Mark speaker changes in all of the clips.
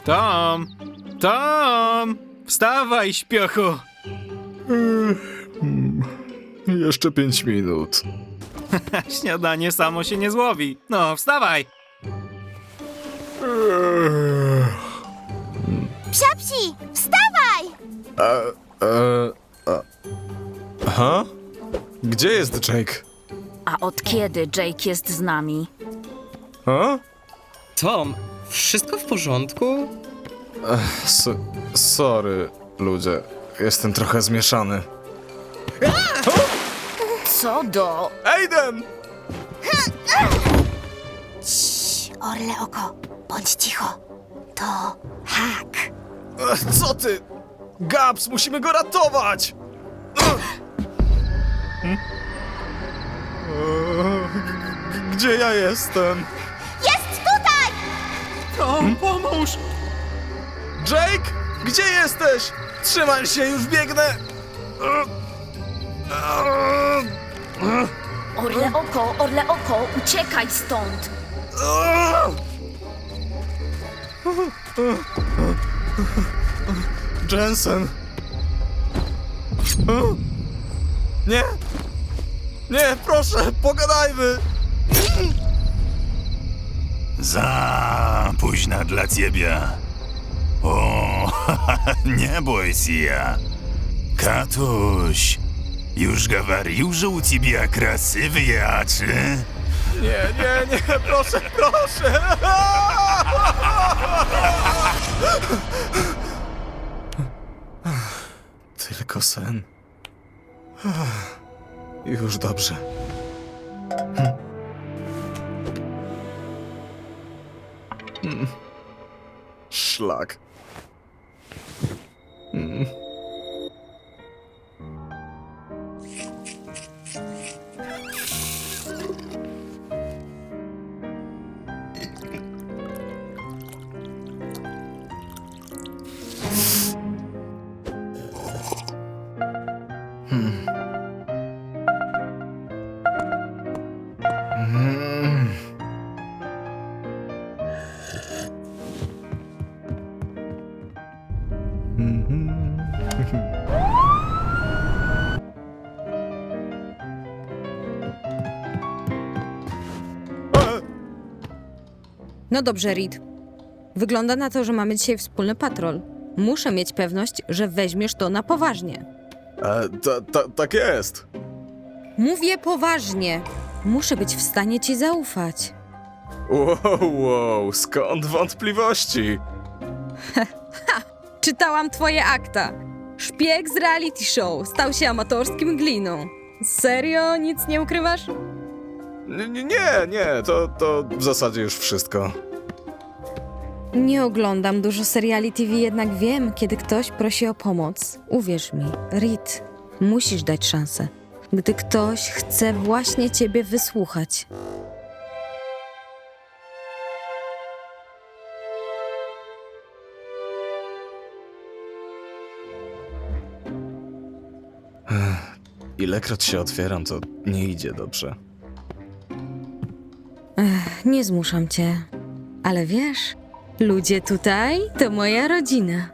Speaker 1: Tom! Tom! Wstawaj, śpiochu!
Speaker 2: Jeszcze 5 minut.
Speaker 1: Śniadanie samo się nie złowi. No, wstawaj!
Speaker 3: Psiapsi, wstawaj!
Speaker 2: Aha? Gdzie jest Jake?
Speaker 4: A od kiedy Jake jest z nami?
Speaker 2: A?
Speaker 5: Tom, wszystko w porządku?
Speaker 2: Sorry, ludzie. Jestem trochę zmieszany.
Speaker 4: Co do...
Speaker 2: Aiden!
Speaker 3: Orle oko, bądź cicho. To hak.
Speaker 2: Co ty? Gabs, musimy go ratować! Gdzie ja jestem?
Speaker 3: Jest tutaj!
Speaker 1: Tom, pomóż!
Speaker 2: Jake? Gdzie jesteś? Trzymaj się, już biegnę!
Speaker 4: Orle oko, uciekaj stąd!
Speaker 2: Jensen! Nie! Nie, proszę, pogadajmy!
Speaker 6: Za późna dla ciebie. O, nie bój się. Katuś, już говорил, że u ciebie красивые oczy.
Speaker 2: Nie, proszę, proszę! Tylko sen. Już dobrze. Szlak.
Speaker 7: No dobrze, Reed. Wygląda na to, że mamy dzisiaj wspólny patrol. Muszę mieć pewność, że weźmiesz to na poważnie.
Speaker 2: Tak jest.
Speaker 7: Mówię poważnie. Muszę być w stanie ci zaufać.
Speaker 2: Wow, skąd wątpliwości?
Speaker 7: Czytałam twoje akta. Szpieg z reality show stał się amatorskim gliną. Serio? Nic nie ukrywasz?
Speaker 2: Nie, to w zasadzie już wszystko.
Speaker 7: Nie oglądam dużo seriali TV, jednak wiem, kiedy ktoś prosi o pomoc. Uwierz mi, Reed, musisz dać szansę. Gdy ktoś chce właśnie ciebie wysłuchać.
Speaker 2: Ilekroć się otwieram, to nie idzie dobrze.
Speaker 7: Nie zmuszam cię, ale wiesz, ludzie tutaj to moja rodzina.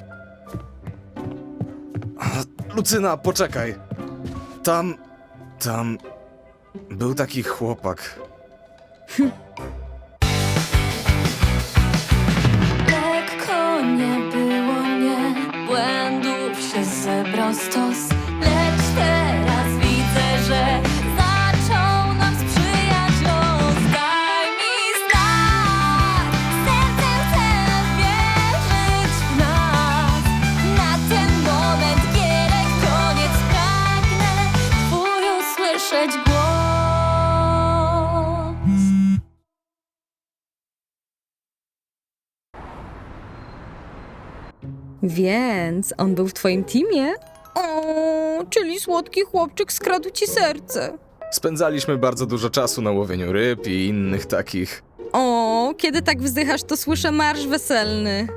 Speaker 2: Lucyna, poczekaj. Tam był taki chłopak.
Speaker 8: Lekko nie było, nie, błędów się zebrał stos, lecz teraz widzę, że zaczął nam sprzyjać los. Daj mi znak, sercem chcę wierzyć w nas. Na ten moment gierek koniec, pragnę twój usłyszeć głos.
Speaker 7: Więc on był w twoim teamie? O, czyli słodki chłopczyk skradł ci serce.
Speaker 2: Spędzaliśmy bardzo dużo czasu na łowieniu ryb i innych takich.
Speaker 7: O, kiedy tak wzdychasz, to słyszę marsz weselny.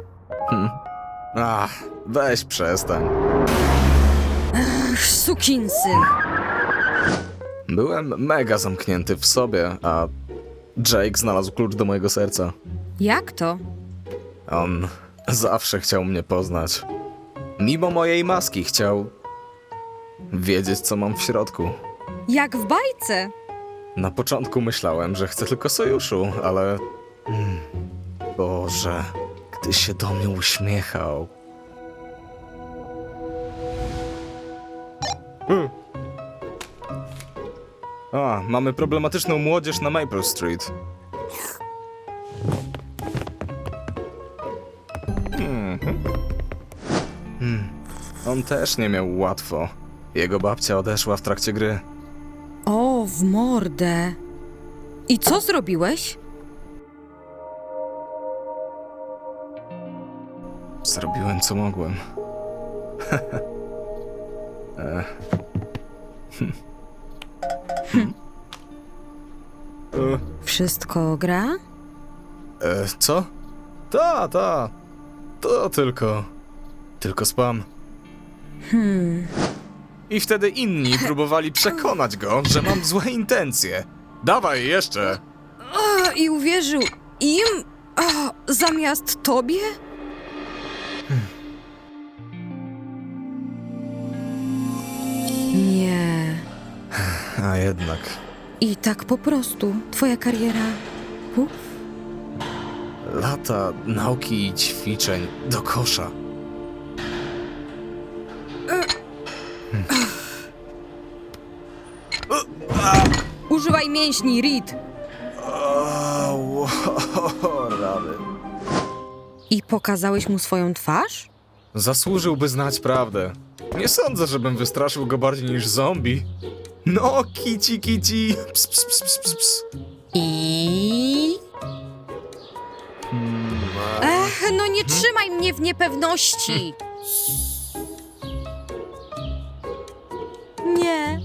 Speaker 2: Weź przestań.
Speaker 7: Sukinsyn.
Speaker 2: Byłem mega zamknięty w sobie, a Jake znalazł klucz do mojego serca.
Speaker 7: Jak to?
Speaker 2: On zawsze chciał mnie poznać. Mimo mojej maski chciał wiedzieć, co mam w środku.
Speaker 7: Jak w bajce.
Speaker 2: Na początku myślałem, że chcę tylko sojuszu, ale... Boże, gdy się do mnie uśmiechał... A, mamy problematyczną młodzież na Maple Street. On też nie miał łatwo. Jego babcia odeszła w trakcie gry.
Speaker 7: O, w mordę. I co zrobiłeś?
Speaker 2: Zrobiłem, co mogłem.
Speaker 7: Wszystko gra?
Speaker 2: Co? Ta. To tylko spam. I wtedy inni próbowali przekonać go, że mam złe intencje. Dawaj jeszcze!
Speaker 7: I uwierzył im? Zamiast tobie? Nie.
Speaker 2: A jednak.
Speaker 7: I tak po prostu twoja kariera... Puf.
Speaker 2: Lata nauki i ćwiczeń do kosza.
Speaker 7: Używaj mięśni, Reed.
Speaker 2: Rany.
Speaker 7: I pokazałeś mu swoją twarz?
Speaker 2: Zasłużyłby znać prawdę. Nie sądzę, żebym wystraszył go bardziej niż zombie. No, kici. Ps, ps, ps, ps, ps, ps.
Speaker 7: I... no nie trzymaj mnie w niepewności. Nie.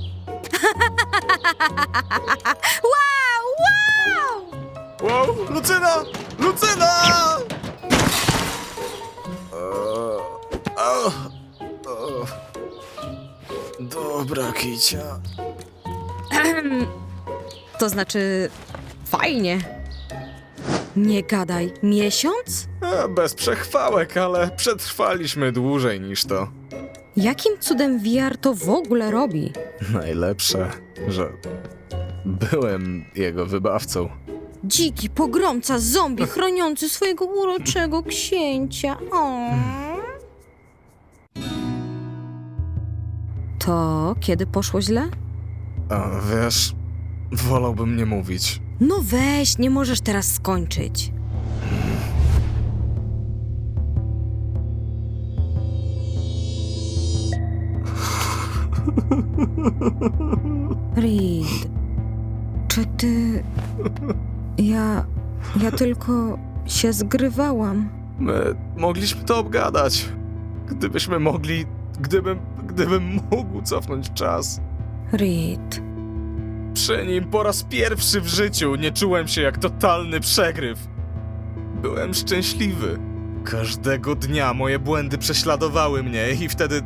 Speaker 7: Wow!
Speaker 2: Wow, Lucyna! Dobra, kicia.
Speaker 7: To znaczy... fajnie. Nie gadaj. Miesiąc?
Speaker 2: Bez przechwałek, ale przetrwaliśmy dłużej niż to.
Speaker 7: Jakim cudem VR to w ogóle robi?
Speaker 2: Najlepsze, że byłem jego wybawcą.
Speaker 7: Dziki pogromca zombie chroniący swojego uroczego księcia. O. To kiedy poszło źle?
Speaker 2: A wiesz, wolałbym nie mówić.
Speaker 7: No weź, nie możesz teraz skończyć. Reed, czy ty... Ja tylko się zgrywałam.
Speaker 2: My mogliśmy to obgadać. Gdybyśmy mogli... Gdybym mógł cofnąć czas.
Speaker 7: Reed,
Speaker 2: Przy nim po raz pierwszy w życiu nie czułem się jak totalny przegryw. Byłem szczęśliwy. Każdego dnia moje błędy prześladowały mnie i wtedy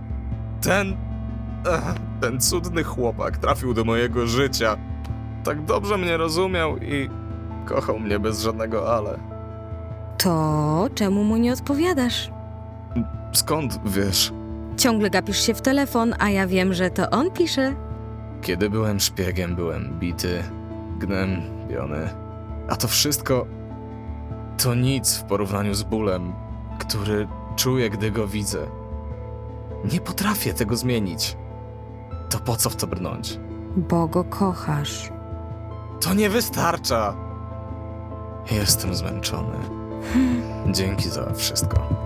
Speaker 2: ten cudny chłopak trafił do mojego życia. Tak dobrze mnie rozumiał i kochał mnie bez żadnego ale.
Speaker 7: to czemu mu nie odpowiadasz?
Speaker 2: Skąd wiesz?
Speaker 7: Ciągle gapisz się w telefon, a ja wiem, że to on pisze.
Speaker 2: Kiedy byłem szpiegiem, byłem bity, gnębiony. A to wszystko to nic w porównaniu z bólem, który czuję, gdy go widzę. Nie potrafię tego zmienić. To po co w to brnąć?
Speaker 7: Bo go kochasz.
Speaker 2: To nie wystarcza! Jestem zmęczony. Dzięki za wszystko.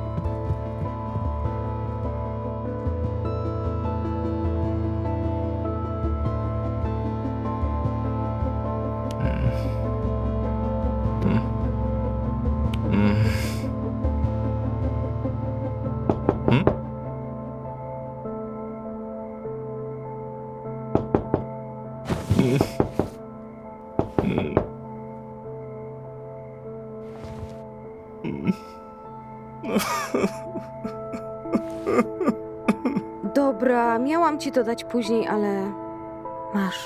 Speaker 7: Dobra, miałam ci to dać później, ale... masz.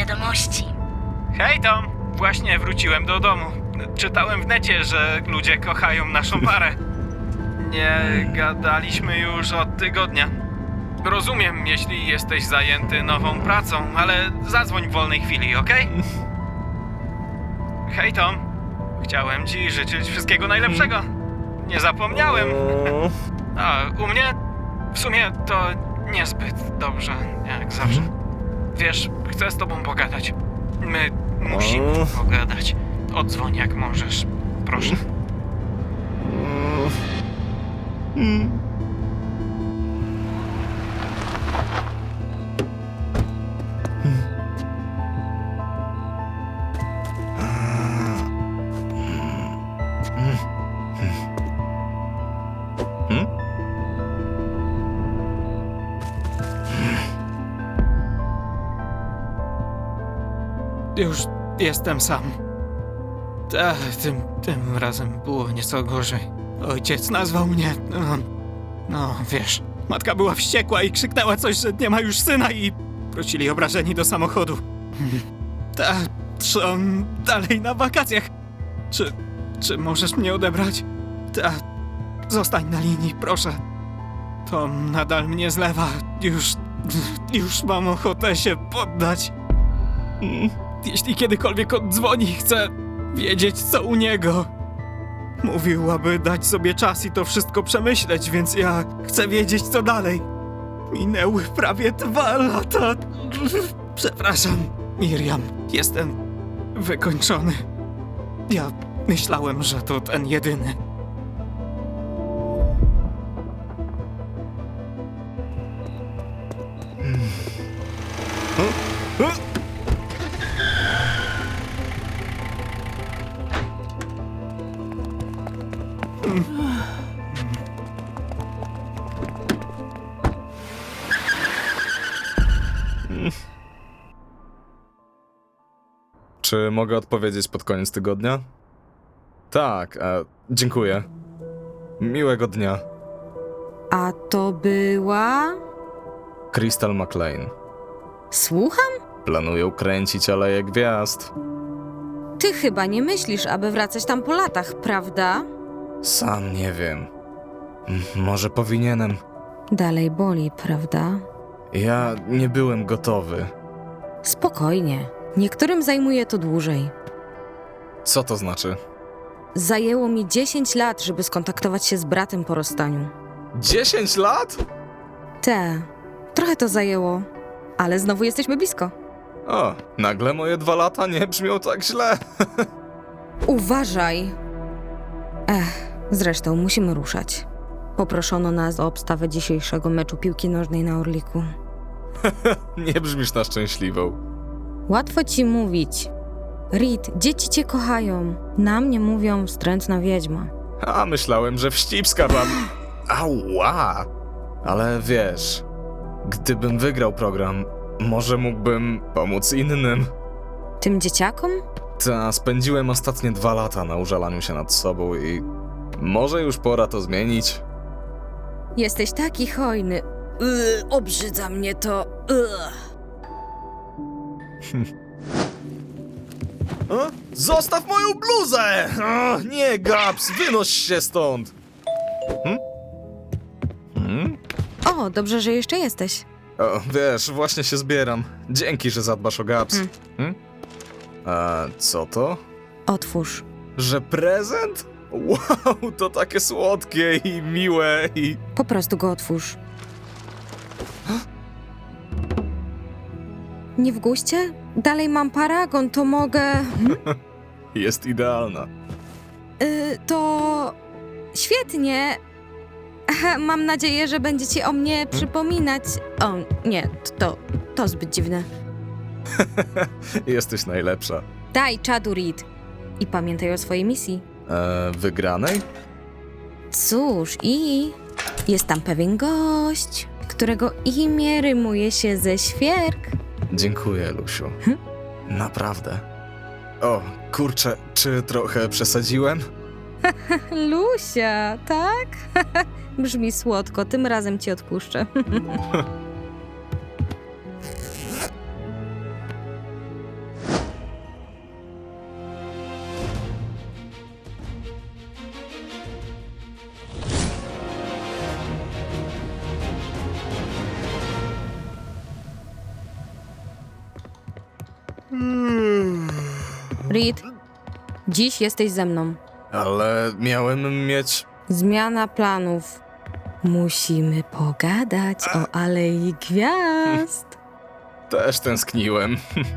Speaker 4: wiadomości.
Speaker 1: Hej Tom, właśnie wróciłem do domu. Czytałem w necie, że ludzie kochają naszą parę. Nie gadaliśmy już od tygodnia. Rozumiem, jeśli jesteś zajęty nową pracą, ale zadzwoń w wolnej chwili, okej? Hej Tom, chciałem ci życzyć wszystkiego najlepszego. Nie zapomniałem. A u mnie w sumie to niezbyt dobrze, jak zawsze. Wiesz, chcę z tobą pogadać. My musimy pogadać. Odzwoń jak możesz, proszę. Już jestem sam. Tym razem było nieco gorzej. Ojciec nazwał mnie... No, wiesz, matka była wściekła i krzyknęła coś, że nie ma już syna i wrócili obrażeni do samochodu. Trzon dalej na wakacjach. Czy możesz mnie odebrać? Zostań na linii, proszę. Tom nadal mnie zlewa. Już mam ochotę się poddać. Jeśli kiedykolwiek oddzwoni, chcę wiedzieć, co u niego. Mówił, aby dać sobie czas i to wszystko przemyśleć, więc ja chcę wiedzieć, co dalej. Minęły prawie 2 lata. Przepraszam, Miriam. Jestem wykończony. Ja myślałem, że to ten jedyny.
Speaker 2: Czy mogę odpowiedzieć pod koniec tygodnia? Tak, dziękuję. Miłego dnia.
Speaker 7: A to była...
Speaker 2: Crystal McLean.
Speaker 7: Słucham?
Speaker 2: Planują kręcić Aleję Gwiazd.
Speaker 7: Ty chyba nie myślisz, aby wracać tam po latach, prawda?
Speaker 2: Sam nie wiem. Może powinienem.
Speaker 7: Dalej boli, prawda?
Speaker 2: Ja nie byłem gotowy.
Speaker 7: Spokojnie. Niektórym zajmuje to dłużej.
Speaker 2: Co to znaczy?
Speaker 7: Zajęło mi 10 lat, żeby skontaktować się z bratem po rozstaniu.
Speaker 2: 10 lat?
Speaker 7: Trochę to zajęło, ale znowu jesteśmy blisko.
Speaker 2: O, nagle moje 2 lata nie brzmią tak źle.
Speaker 7: Uważaj! Zresztą musimy ruszać. Poproszono nas o obstawę dzisiejszego meczu piłki nożnej na Orliku.
Speaker 2: Nie brzmisz na szczęśliwą.
Speaker 7: Łatwo ci mówić. Reed, dzieci cię kochają. Na mnie mówią wstrętna wiedźma.
Speaker 2: A myślałem, że wścibska wam. Ała! Ale wiesz, gdybym wygrał program, może mógłbym pomóc innym.
Speaker 7: Tym dzieciakom?
Speaker 2: Spędziłem ostatnie 2 lata na użalaniu się nad sobą i może już pora to zmienić.
Speaker 7: Jesteś taki hojny. Obrzydza mnie to.
Speaker 2: Zostaw moją bluzę! Nie, Gaps, wynoś się stąd!
Speaker 7: O, dobrze, że jeszcze jesteś.
Speaker 2: O, wiesz, właśnie się zbieram. Dzięki, że zadbasz o Gaps. A co to?
Speaker 7: Otwórz.
Speaker 2: Że prezent? Wow, to takie słodkie i miłe i...
Speaker 7: Po prostu go otwórz. Nie w guście? Dalej mam paragon, to mogę...
Speaker 2: Jest idealna.
Speaker 7: To... Świetnie. Mam nadzieję, że będziecie o mnie przypominać. O, nie, to zbyt dziwne.
Speaker 2: Jesteś najlepsza.
Speaker 7: Daj czadu, Reed. I pamiętaj o swojej misji.
Speaker 2: Wygranej?
Speaker 7: Cóż, i jest tam pewien gość, którego imię rymuje się ze świerk.
Speaker 2: Dziękuję, Lusiu. Naprawdę. O, kurczę, czy trochę przesadziłem?
Speaker 7: Lusia, tak? Brzmi słodko, tym razem ci odpuszczę. Reed, dziś jesteś ze mną.
Speaker 2: Ale miałem mieć...
Speaker 7: Zmiana planów. Musimy pogadać o Alei Gwiazd.
Speaker 2: Też tęskniłem.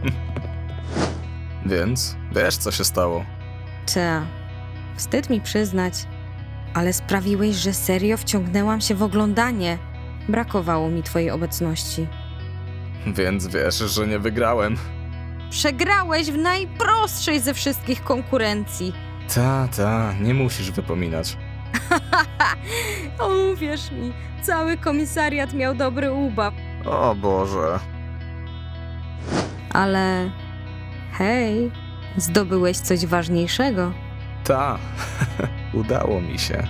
Speaker 2: Więc wiesz, co się stało.
Speaker 7: Ta, wstyd mi przyznać, ale sprawiłeś, że serio wciągnęłam się w oglądanie. Brakowało mi twojej obecności.
Speaker 2: Więc wiesz, że nie wygrałem.
Speaker 7: Przegrałeś w najprostszej ze wszystkich konkurencji.
Speaker 2: Ta, nie musisz wypominać.
Speaker 7: Uwierz mi, cały komisariat miał dobry ubaw.
Speaker 2: O Boże.
Speaker 7: Ale hej, zdobyłeś coś ważniejszego.
Speaker 2: Ta, udało mi się.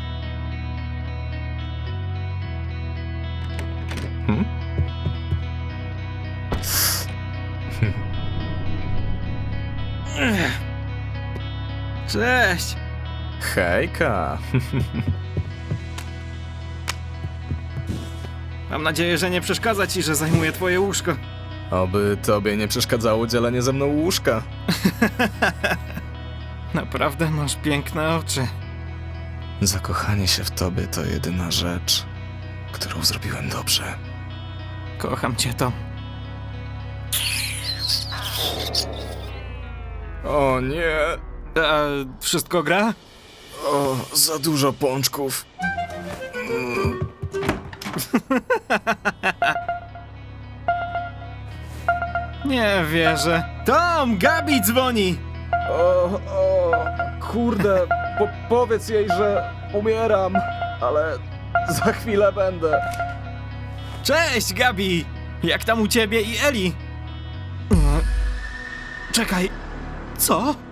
Speaker 1: Cześć!
Speaker 2: Hejka.
Speaker 1: Mam nadzieję, że nie przeszkadza ci, że zajmuję twoje łóżko.
Speaker 2: Oby tobie nie przeszkadzało dzielenie ze mną łóżka.
Speaker 1: Naprawdę masz piękne oczy.
Speaker 2: Zakochanie się w tobie to jedyna rzecz, którą zrobiłem dobrze.
Speaker 1: Kocham cię, Tom.
Speaker 2: O nie.
Speaker 1: A wszystko gra?
Speaker 2: O, za dużo pączków.
Speaker 1: Nie wierzę. Tom, Gabi dzwoni!
Speaker 2: Kurde, powiedz jej, że umieram, ale za chwilę będę.
Speaker 1: Cześć, Gabi! Jak tam u ciebie i Eli? Czekaj, co?